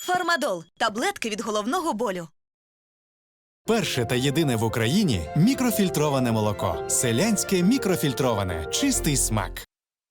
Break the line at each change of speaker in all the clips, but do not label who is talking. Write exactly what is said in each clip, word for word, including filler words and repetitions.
Фармадол – таблетки від головного болю.
Перше та єдине в Україні мікрофільтроване молоко. Селянське мікрофільтроване. Чистий смак.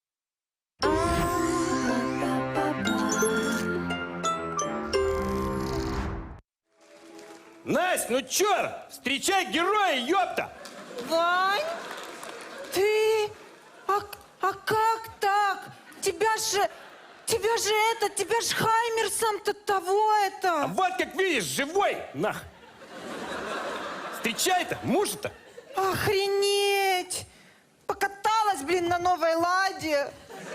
Насть, ну чё? Встречай героя, ёпта!
Вань, ты? А, а как так? Тебя же, тебя же это, тебя же Хаймер сам-то того
А
это.
вот как видишь, живой, нах! Встречай-то, мужа-то!
Охренеть! Покаталась, блин, на новой ладе.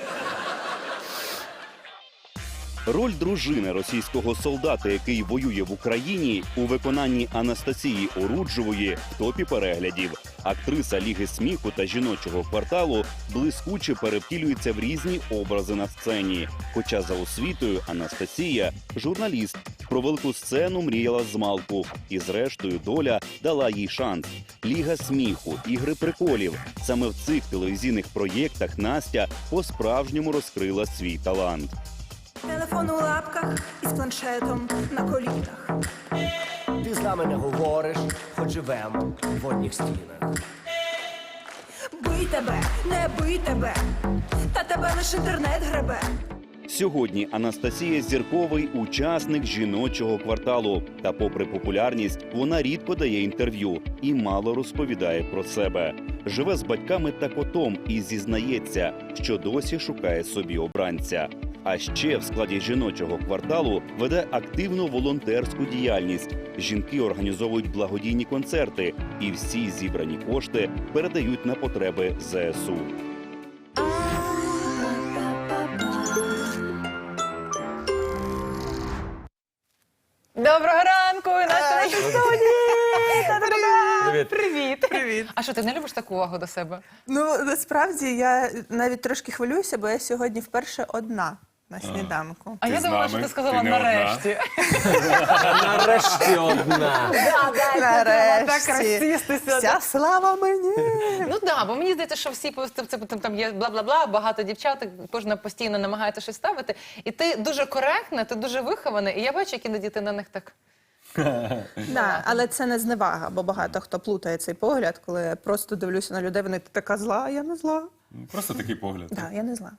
Роль дружини російського солдата, який воює в Україні, у виконанні Анастасії Оруджевої в топі переглядів. Актриса Ліги сміху та жіночого кварталу блискуче перевтілюється в різні образи на сцені. Хоча за освітою Анастасія – журналіст. Про велику сцену мріяла змалку. І зрештою доля дала їй шанс. Ліга сміху, ігри приколів. Саме в цих телевізійних проєктах Настя по-справжньому розкрила свій талант.
Телефон у лапках із планшетом на колінах.
Ти з нами не говориш, хоч живемо в одніх стінах.
Бий тебе, не бий тебе, та тебе лиш інтернет гребе.
Сьогодні Анастасія – зірковий учасник жіночого кварталу. Та попри популярність, вона рідко дає інтерв'ю і мало розповідає про себе. Живе з батьками та котом і зізнається, що досі шукає собі обранця. А ще в складі жіночого кварталу веде активну волонтерську діяльність. Жінки організовують благодійні концерти і всі зібрані кошти передають на потреби зе ес у.
Доброго ранку! Настя в студії!
Привіт.
Привіт!
Привіт.
А що, ти не любиш таку увагу до себе?
Ну, насправді, я навіть трошки хвилююся, бо я сьогодні вперше одна на сніданку.
А я думала, що ти сказала нарешті.
Нарешті одна.
Нарешті.
Так розсістися.
Вся слава мені.
Ну так, бо мені здається, що всі це, це, там є бла-бла-бла, багато дівчат, кожна постійно намагається щось ставити. І ти дуже коректна, ти дуже вихована, і я бачу, як іноді ти на них так...
Да, але це не зневага, бо багато хто плутає цей погляд, коли я просто дивлюся на людей, вони така зла, а я не зла.
Просто такий погляд.
Так, я не зла.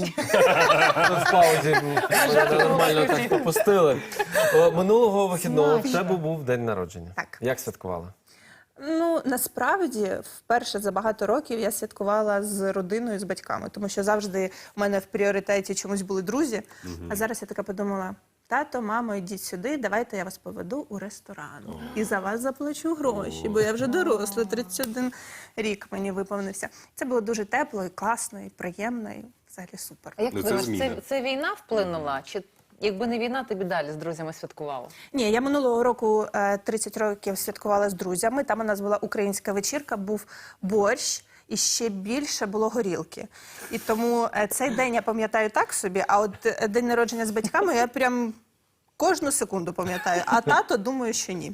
В паузі ми нормально так попустили. О, Минулого вихідного в тебе був день народження.
Так.
Як святкувала?
Ну, насправді, вперше за багато років я святкувала з родиною, з батьками, тому що завжди в мене в пріоритеті чомусь були друзі, а зараз я така подумала, тато, мамо, йдіть сюди, давайте я вас поведу у ресторан. І за вас заплачу гроші, бо я вже доросла, тридцять один рік мені виповнився. Це було дуже тепло і класно, і приємно, і взагалі супер.
А як
Ну,
ти
це
думаєш,
зміна.
це, це війна вплинула? Чи якби не війна, ти б і далі з друзями святкувала?
Ні, я минулого року е, тридцять років святкувала з друзями, там у нас була українська вечірка, був борщ, і ще більше було горілки. І тому е, цей день я пам'ятаю так собі, а от е, день народження з батьками я прям кожну секунду пам'ятаю, а тато, думаю, що ні.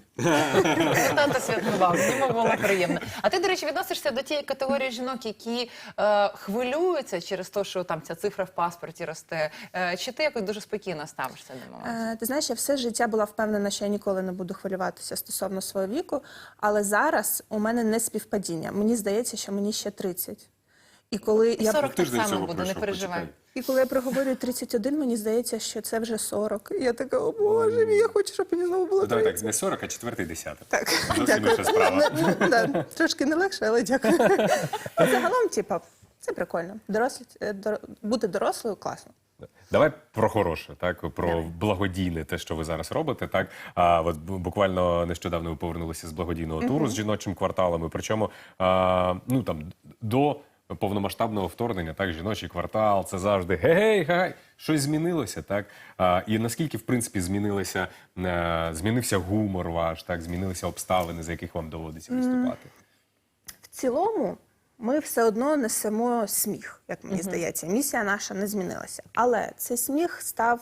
Тато святкував, йому було приємно. А ти, до речі, відносишся до тієї категорії жінок, які е, хвилюються через те, що там ця цифра в паспорті росте. Е, чи ти якось дуже спокійно ставишся до моменту?
Е, ти знаєш, я все життя була впевнена, що я ніколи не буду хвилюватися стосовно свого віку, але зараз у мене не співпадіння. Мені здається, що мені ще тридцять. І коли
І
я
сорок так
Тиждень
само
цього
буде, не
пройшов,
переживай.
почекай.
І коли я проговорюю тридцять один, мені здається, що це вже сорок. І я така, о Боже мій, я хочу, щоб мені знову було
Ну, давай так,
тридцять.
не сорок, а четвертий десяток.
Так,
Зовсім
дякую.
інша справа.
Ну, ну, да, трошки не легше, але дякую. Загалом, типа, це прикольно. Дорослі, е, дор- бути дорослою класно.
Давай про хороше, так, про благодійне, те, що ви зараз робите. Так, а, от бу- буквально нещодавно ви повернулися з благодійного туру з жіночим кварталом. І причому а, ну там до повномасштабного вторгнення, так, жіночий квартал, це завжди гей, гей, щось змінилося, так. А, і наскільки в принципі змінилося, е, змінився гумор ваш, так, змінилися обставини, за яких вам доводиться виступати.
В цілому, ми все одно несемо сміх, як мені здається. Місія наша не змінилася. Але цей сміх став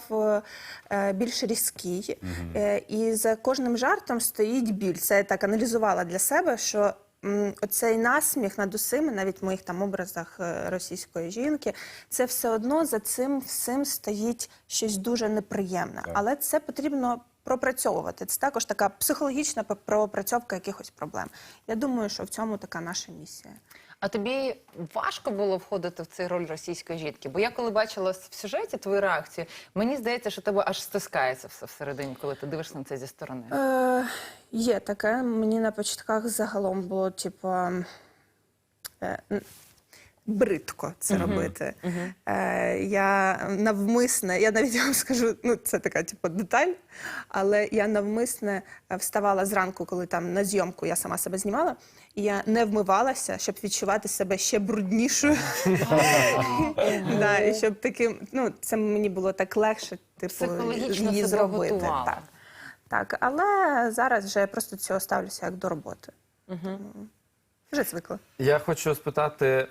е, більш різкий. Е, і за кожним жартом стоїть біль. Це я так аналізувала для себе, що м, оцей насміх над усіми, навіть в моїх там образах е, російської жінки, це все одно за цим всім стоїть щось дуже неприємне. Але це потрібно пропрацьовувати. Це також така психологічна пропрацьовка якихось проблем. Я думаю, що в цьому така наша місія.
А тобі важко було входити в цей роль російської жінки? Бо я коли бачила в сюжеті твою реакцію, мені здається, що тебе аж стискається все всередині, коли ти дивишся на це зі сторони.
Е, є таке. Мені на початках загалом було, типу, е, н- бридко це робити. Е, я навмисне, я навіть вам скажу, ну це така, типу, деталь, але я навмисне вставала зранку, коли там на зйомку я сама себе знімала, і я не вмивалася, щоб відчувати себе ще бруднішою. Да, і щоб таким, ну, це мені було так легше, типу,
Психологічно
її
себе
зробити.
готувала.
Так. Так, але зараз вже я просто до цього ставлюся як до роботи. Тому вже звикла.
Я хочу спитати е,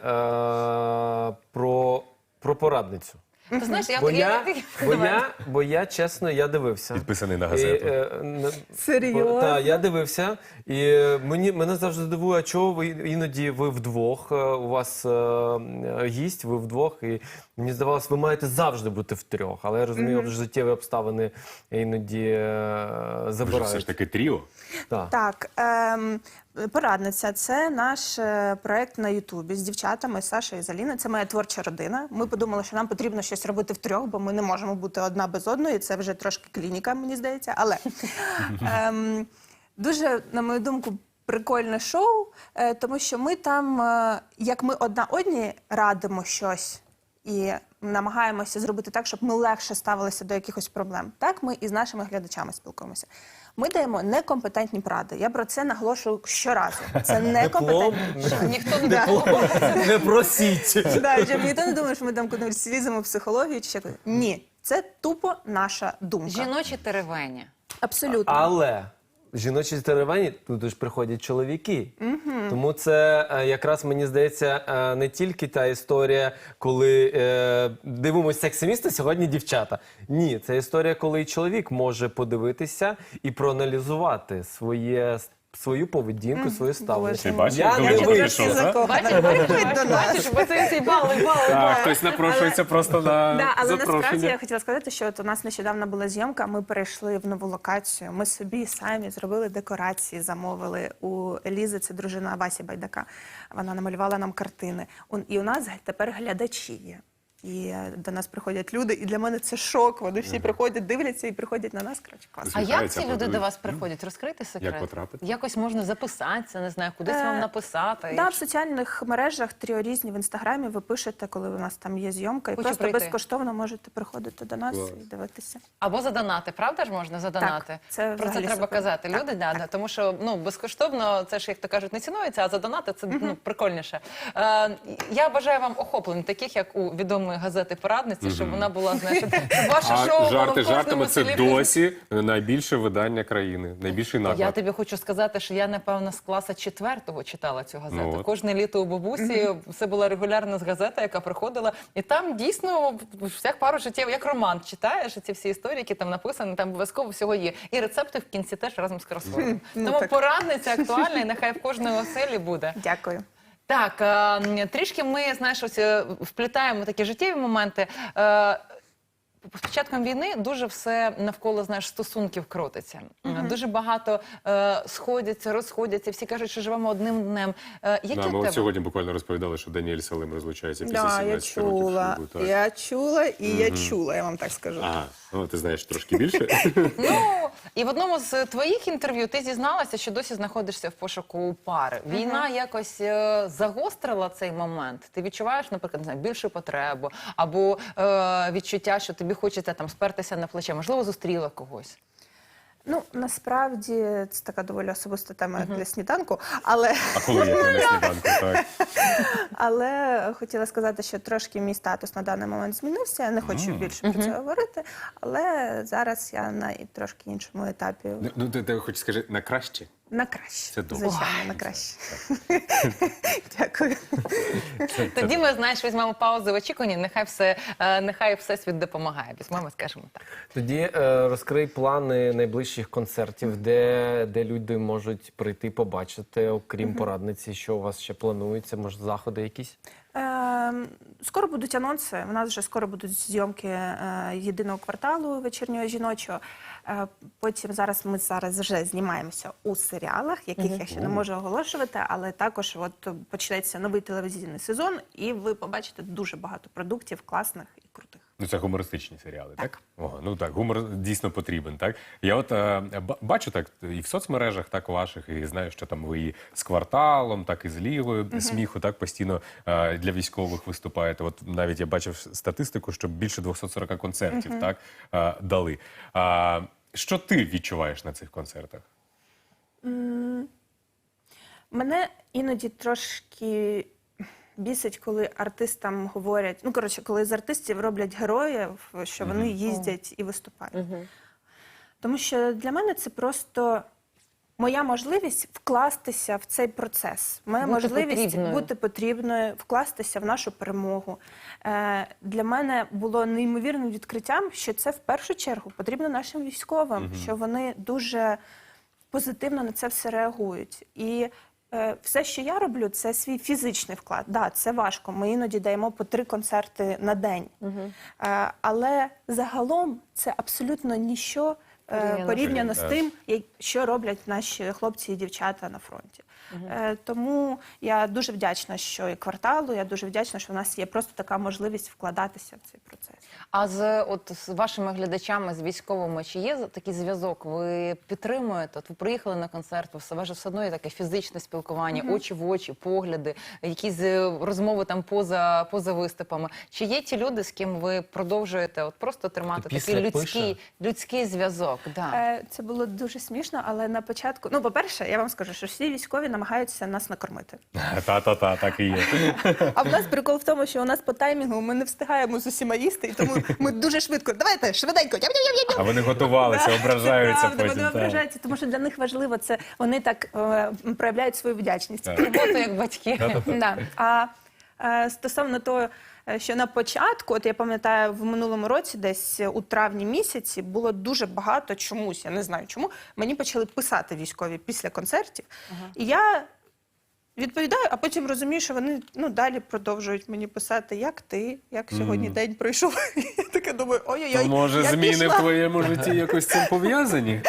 про, про порадницю.
Ти знаєш, я...
Бо
я-
я, бо,
Давай.
я, бо я, чесно, я дивився.
Підписаний на
І,
газету.
е, н-
Серйозно?
Так, я дивився. І е, мені, мене завжди дивує, а чого ви іноді ви вдвох, е, у вас е, е, гість, ви вдвох, і мені здавалося, ви маєте завжди бути втрьох. Але я розумію, що життєві обставини іноді е,
Ви ж
забирають.
все ж таки тріо.
Так.
Так, ем, порадниця це наш е, проект на Ютубі з дівчатами, з Сашою і з Аліною. Це моя творча родина. Ми подумали, що нам потрібно щось робити втрьох, бо ми не можемо бути одна без одної. Це вже трошки клініка, мені здається. Але ем, дуже, на мою думку, прикольне шоу, е, тому що ми там, е, як ми одна одній радимо щось і намагаємося зробити так, щоб ми легше ставилися до якихось проблем. Так ми і з нашими глядачами спілкуємося. Ми даємо некомпетентні поради. Я про це наголошую щоразу. Це некомпетентні.
Ніхто не
Да.
Не просіть.
Да, щоб ніхто не думає, що ми там кудись ліземо в психологію чи ще кудись. Ні, це тупо наша думка.
Жіночі теревені.
Абсолютно.
Але жіночі теревені туди ж приходять чоловіки. Тому це е, якраз, мені здається, е, не тільки та історія, коли е, дивимося сексимісти, сьогодні дівчата. Ні, це історія, коли і чоловік може подивитися і проаналізувати своє, свою поведінку, своє ставлення.
Ти бачиш,
Я
як
не
далеко
вийшов.
пішов, так?
Бачиш, бачиш, бачиш, бо це ці бали, бали,
Так,
бали.
хтось напрошується просто на
Да, але насправді
запрошення.
я хотіла сказати, що от у нас нещодавно була зйомка, ми перейшли в нову локацію, ми собі самі зробили декорації, замовили у Елізи, це дружина Васі Байдака, вона намалювала нам картини. Он- І у нас тепер глядачі є. І е, до нас приходять люди, і для мене це шок. Вони всі приходять, дивляться і приходять на нас. Коротше, класно.
А як
Усміхаються,
ці люди
аплодують.
до вас приходять? Розкрийте секрет.
Як потрапити?
Якось можна записатися, не знаю, кудись
Е,
вам написати.
Да, в соціальних мережах Тріо різні в інстаграмі ви пишете, коли у нас там є зйомка, і
Хочу
просто
прийти.
безкоштовно можете приходити до нас і дивитися.
Або задонати, правда ж можна задонати?
Так, це
Про це
взагалі
треба
супер.
казати.
Так,
Люди, да, да, тому що ну безкоштовно це ж, як то кажуть, не цінується, а задонати це ну прикольніше. Е, я бажаю вам охоплень, таких як у відомої газети «Порадниці», щоб вона була, знаєш, щоб ваше шоу
А
було в
жарти
кожному
жартами, це
селі.
досі найбільше видання країни, найбільший
Я
наклад.
тобі хочу сказати, що я, напевно, з класа четвертого читала цю газету.
Ну от.
Кожне літо у бабусі це була регулярна газета, яка приходила. І там дійсно всяк пару життів, як роман читаєш, і ці всі історії, які там написані, там обов'язково всього є. І рецепти в кінці теж разом з кросвордом.
Ну,
Тому
так.
порадниця актуальна, і нехай в кожної оселі буде.
Дякую.
Так, е, трішки ми, знаєш, ось е, вплітаємо такі життєві моменти. Е, З початком війни дуже все навколо, знаєш, стосунків крутиться. Дуже багато е, сходяться, розходяться, всі кажуть, що живемо одним днем. Е, які
Да,
в
ми
тебе?
от сьогодні буквально розповідали, що Даніель Салим розлучається після
Да, я
сімнадцяти років
чула,
шлюбу. Так.
я чула і я чула, я вам так скажу.
Ага, ну ти знаєш трошки більше.
Ну, і в одному з твоїх інтерв'ю ти зізналася, що досі знаходишся в пошуку пари. Війна якось е, загострила цей момент. Ти відчуваєш, наприклад, не знаю, більшу потребу, або е, відчуття, що тобі хочеться там спертися на плече, можливо, зустріла когось.
Ну, насправді, це така доволі особиста тема як для сніданку, але,
А коли є на сніданку, так.
але хотіла сказати, що трошки мій статус на даний момент змінився, я не хочу більше про це говорити, але зараз я на і трошки іншому етапі.
Ну, ти, ти хоч скажи, на краще?
На краще.
Це добре.
Звичайно, на краще. Дякую.
Тоді ми, знаєш, візьмемо паузу в очікуванні, нехай все, е, нехай всесвіт допомагає. Візьмемо, скажемо так.
Тоді е, розкрий плани найближчих концертів, де, де люди можуть прийти побачити, окрім порадниці, що у вас ще планується, може заходи якісь?
Е, Скоро будуть анонси. У нас вже скоро будуть зйомки е, єдиного кварталу вечірнього жіночого. Е, Потім зараз ми зараз вже знімаємося у серіалах, яких я ще не можу оголошувати, але також от почнеться новий телевізійний сезон, і ви побачите дуже багато продуктів класних і крутих.
Ну, це гумористичні серіали, так? Ого, ну так, гумор дійсно потрібен, так? Я от е, ба- бачу так і в соцмережах, так ваших, і знаю, що там ви і з кварталом, так і з лігою сміху, так постійно е, для військових виступаєте. От навіть я бачив статистику, що більше двісті сорок концертів, так, е, дали. А, що ти відчуваєш на цих концертах?
Мене іноді трошки бісить, коли артистам говорять, ну, коротше, коли з артистів роблять героїв, що вони їздять і виступають. Тому що для мене це просто моя можливість вкластися в цей процес. Моя
Бути
можливість
потрібною.
бути потрібною, вкластися в нашу перемогу. Е, для мене було неймовірним відкриттям, що це в першу чергу потрібно нашим військовим, що вони дуже позитивно на це все реагують. І е, все, що я роблю, це свій фізичний вклад. Да, це важко. Ми іноді даємо по три концерти на день. Е, але загалом це абсолютно ніщо е,
Порівняно.
порівняно з
Так.
тим, як- що роблять наші хлопці і дівчата на фронті. Е, тому я дуже вдячна, що і кварталу, я дуже вдячна, що в нас є просто така можливість вкладатися в цей процес.
А з, от, з вашими глядачами, з військовими, чи є такий зв'язок? Ви підтримуєте? От ви приїхали на концерт, у вас же все одно є таке фізичне спілкування, очі в очі, погляди, якісь е, розмови там поза, поза виступами. Чи є ті люди, з ким ви продовжуєте от просто тримати
Хто
такий
після
людський,
пише?
людський зв'язок? Да.
Е, Це було дуже смішно, але на початку, ну, по-перше, я вам скажу, що всі військові намагаються нас накормити.
Та-та-та, так і є.
А в нас прикол в тому, що у нас по таймінгу ми не встигаємо з усіма їсти, і тому ми дуже швидко, давайте, швиденько, ням-ням-ням-ням.
А вони готувалися,
Да,
ображаються
це правда,
потім.
Вони
так.
ображаються, тому що для них важливо це, вони так е, проявляють свою вдячність.
Так.
Робота як батьки.
Да. А е, стосовно того, е, що на початку, от я пам'ятаю, в минулому році, десь у травні місяці, було дуже багато чомусь, я не знаю чому, мені почали писати військові після концертів. І я відповідаю, а потім розумію, що вони ну, далі продовжують мені писати, як ти, як сьогодні день пройшов. Я така думаю, ой-ой-ой,
То, може,
я
зміни
пішла.
в твоєму житті якось з цим пов'язані?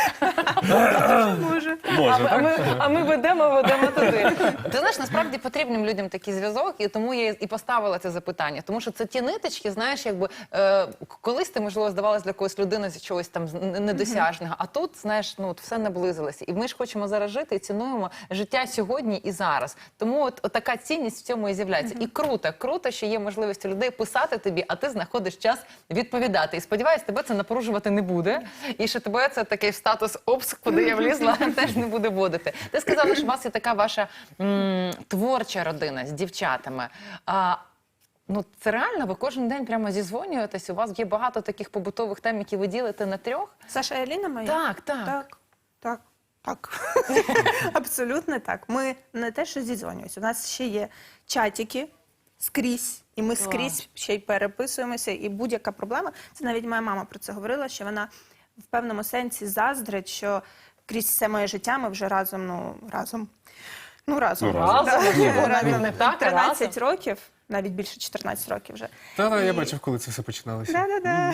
Може.
Може,
А, а,
так?
ми, а ми ведемо, ведемо туди. Ти знаєш, насправді потрібним людям такий зв'язок, і тому я і поставила це запитання. Тому що це ті ниточки, знаєш, якби е, колись ти, можливо, здавалась для когось людини з чогось там з- н- недосяжного, а тут, знаєш, ну от все наблизилося. І ми ж хочемо зараз жити і цінуємо життя сьогодні і зараз. Тому от, от така цінність в цьому і з'являється. І круто, круто, що є можливість у людей писати тобі, а ти знаходиш час відповідати. І сподіваюсь, тебе це напружувати не буде. І що тебе це такий статус обск, куди я влізла, теж не буде вводити. Ти сказала, що у вас є така ваша м, творча родина з дівчатами. А, ну, це реально? Ви кожен день прямо зізвонюєтесь? У вас є багато таких побутових тем, які ви ділите на трьох?
Саша і Аліна моя?
Так, так.
Так, так, так. Абсолютно так. Ми не те, що зідзвонюємося. У нас ще є чатики скрізь, і ми скрізь ще й переписуємося. І будь-яка проблема, це навіть моя мама про це говорила, що вона в певному сенсі заздрить, що крізь все моє життя ми вже разом, ну, разом. Ну, разом.
Ну, разом.
Да.
Разом, можливо,
Разом.
навіть не так, а
тринадцять
разом.
років, навіть більше чотирнадцять років вже.
Та-та, я
І-
бачив, коли це все починалося.
Да-да-да.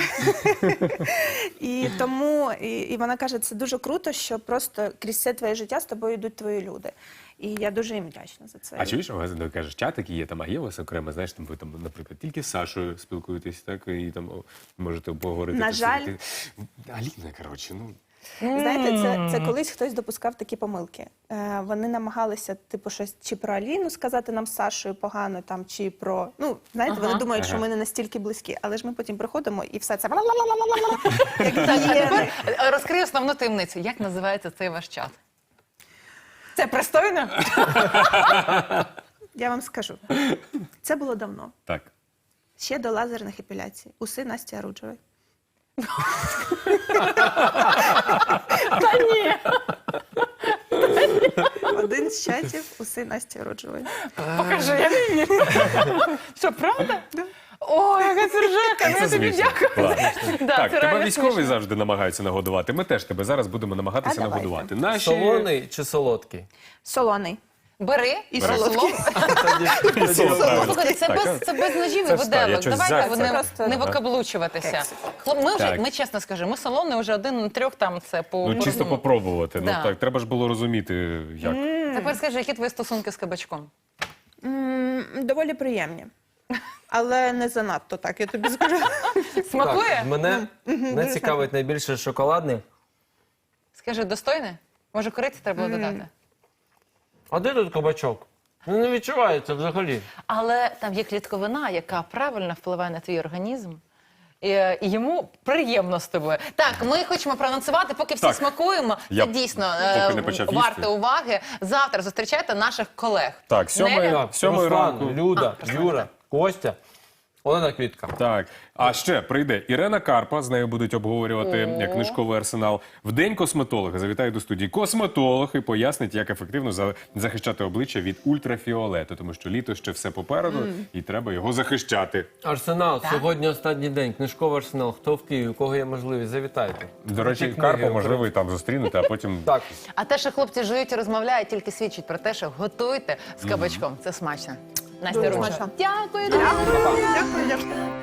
І тому, і, і вона каже, це дуже круто, що просто крізь все твоє життя з тобою йдуть твої люди. І я дуже їм вдячна за це.
А чуєш, у вас ну, кажеш, чатики є, там, а є у вас окремо, знаєш, там ви там, наприклад, тільки з Сашою спілкуєтесь, так, і там о, можете поговорити.
На
там,
жаль.
слухати. Аліна, коротше, ну.
Знаєте, це, це колись хтось допускав такі помилки. Е, вони намагалися, типу, щось чи про Аліну сказати нам з Сашою погано, там, чи про... Ну, знаєте,
Ага.
вони думають, що
Ага.
ми не настільки близькі. Але ж ми потім приходимо, і все це... Як
Так, а
гієни.
тепер е, розкрий основну таємницю. Як називається цей ваш чат? Це пристойно?
Я вам скажу. Це було давно.
Так.
Ще до лазерних епіляцій. Уси Насті Аруджевої.
Та ні.
чатів уси Насті Оруджевої.
Покажи, я не вірю. Що, правда? Ой, яка сержака, ну я тобі
смішно.
дякую.
Клас.
Да,
Так,
це
тебе
реально
військові
смішно.
завжди намагаються нагодувати. Ми теж тебе зараз будемо намагатися
А давайте.
нагодувати. Наші...
Солоний чи солодкий?
Солоний.
Бери і
Бери.
солодкий.
Тоді-
Соло, правильно.
Слухайте, це
Так,
без, це без ножів і
Це встав, я
виделок.
щось
Давайте
зайця.
вони
Просто-
не викаблучуватися. Хлоп, ми вже,
Так.
ми чесно скажемо, ми солоний вже один на трьох там це по...
Ну, чисто попробувати.
Да.
Ну так, треба ж було розуміти, як.
Тепер скажи, які твої стосунки з кабачком?
М, Доволі приємні. Але не занадто так, я тобі скажу.
Смакує?
Так, мене, мене цікавить найбільше шоколадний.
Скажи, достойне? Може, кориці треба було додати?
А де тут кабачок? Ну, не відчувається взагалі.
Але там є клітковина, яка правильно впливає на твій організм. І, і йому приємно з тобою. Так, ми хочемо проанонсувати, поки всі
Так.
смакуємо.
Я
Це дійсно
поки
е,
не почав
варте
їсти.
уваги. Завтра зустрічайте наших колег.
Так, сьомої,
Неля?
Так,
сьомої
Руслан,
ранку.
Люда, Юра, Костя, Олена Квітка.
Так, а ще прийде Ірена Карпа, з нею будуть обговорювати
О.
книжковий арсенал. В день косметолога завітає до студії косметолог і пояснить, як ефективно за- захищати обличчя від ультрафіолету, тому що літо ще все попереду, і треба його захищати.
Арсенал, сьогодні останній день. Книжковий арсенал. Хто в Києві, у кого є можливість, завітайте.
До речі,
Книги
Карпа, можливо, і там зустрінете, а потім
Так.
А те, що хлопці жують і розмовляють, тільки свідчить про те, що готуйте з кабачком. Це смачно. Настя
Дуже
Ружа.
смачно.
Дякую.
Дякую, дякую.